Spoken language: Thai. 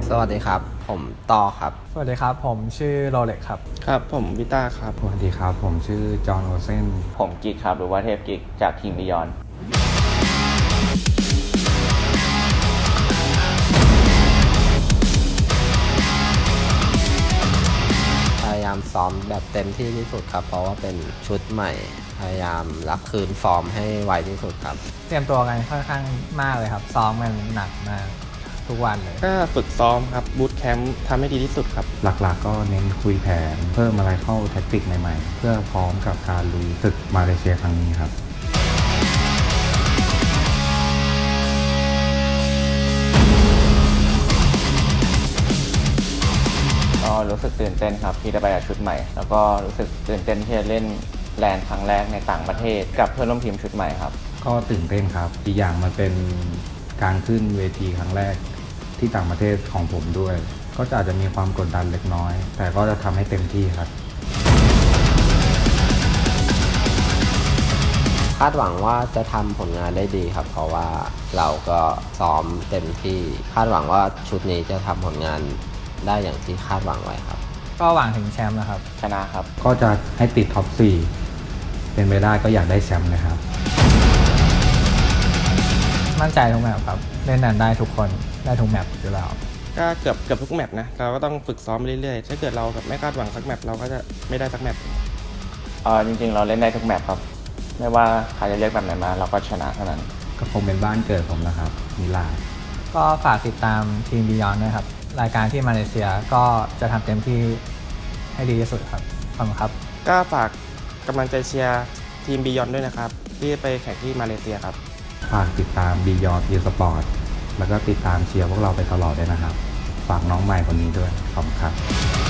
สวัสดีครับผมต่อครับสวัสดีครับผมชื่อโรเล็กครับครับผมวิต้าครับสวัสดีครับผมชื่อจอห์นโอเซนผมกิกครับหรือว่าเทพกิกจากทีมบิยอนพยายามซ้อมแบบเต็มที่ที่สุดครับเพราะว่าเป็นชุดใหม่พยายามรับคืนฟอร์มให้ไวที่สุดครับเตรียมตัวกันค่อนข้างมากเลยครับซ้อมกันหนักมากทุกวันเลยก็ฝึกซ้อมครับบูตแคมป์ทำให้ดีที่สุดครับหลักๆก็เน้นคุยแผนเพิ่มอะไรเข้าแท็กติกใหม่ๆเพื่อพร้อมกับการลุยศึกมาเลเซียครั้งนี้ครับก็รู้สึกตื่นเต้นครับที่ได้ไปกับชุดใหม่แล้วก็รู้สึกตื่นเต้นที่จะเล่นแลนด์ครั้งแรกในต่างประเทศกับเพื่อนร่วมทีมชุดใหม่ครับก็ตื่นเต้นครับอีกอย่างมันเป็นการขึ้นเวทีครั้งแรกที่ต่างประเทศของผมด้วยก็อาจจะมีความกดดันเล็กน้อยแต่ก็จะทำให้เต็มที่ครับคาดหวังว่าจะทำผลงานได้ดีครับเพราะว่าเราก็ซ้อมเต็มที่คาดหวังว่าชุดนี้จะทำผลงานได้อย่างที่คาดหวังไว้ครับก็หวังถึงแชมป์นะครับชนะครับก็จะให้ติดท็อป 4เป็นไปได้ก็อยากได้แชมป์นะครับมั่นใจทุกแมตช์ครับเล่นนันได้ทุกคนได้ทุกแมตช์อยู่แล้วก็เกือบทุกแมตช์นะเราก็ต้องฝึกซ้อมไปเรื่อยๆถ้าเกิดเราแบบไม่คาดหวังสักแมตช์เราก็จะไม่ได้สักแมตช์จริงๆเราเล่นได้ทุกแมตช์ครับไม่ว่าใครจะเลือกแบบไหนมาเราก็ชนะเท่านั้นก็คงเป็นบ้านเกิดผมนะครับมิลานก็ฝากติดตามทีมบิยอนด้วยครับรายการที่มาเลเซียก็จะทำเต็มที่ให้ดีที่สุดครับขอบคุณครับก็ฝากกำลังใจเชียร์ทีมบิยอนด้วยนะครับที่ไปแข่งที่มาเลเซียครับฝากติดตาม Beyond Esports แล้วก็ติดตามเชียร์พวกเราไปตลอดด้วยนะครับฝากน้องใหม่คนนี้ด้วยขอบคุณครับ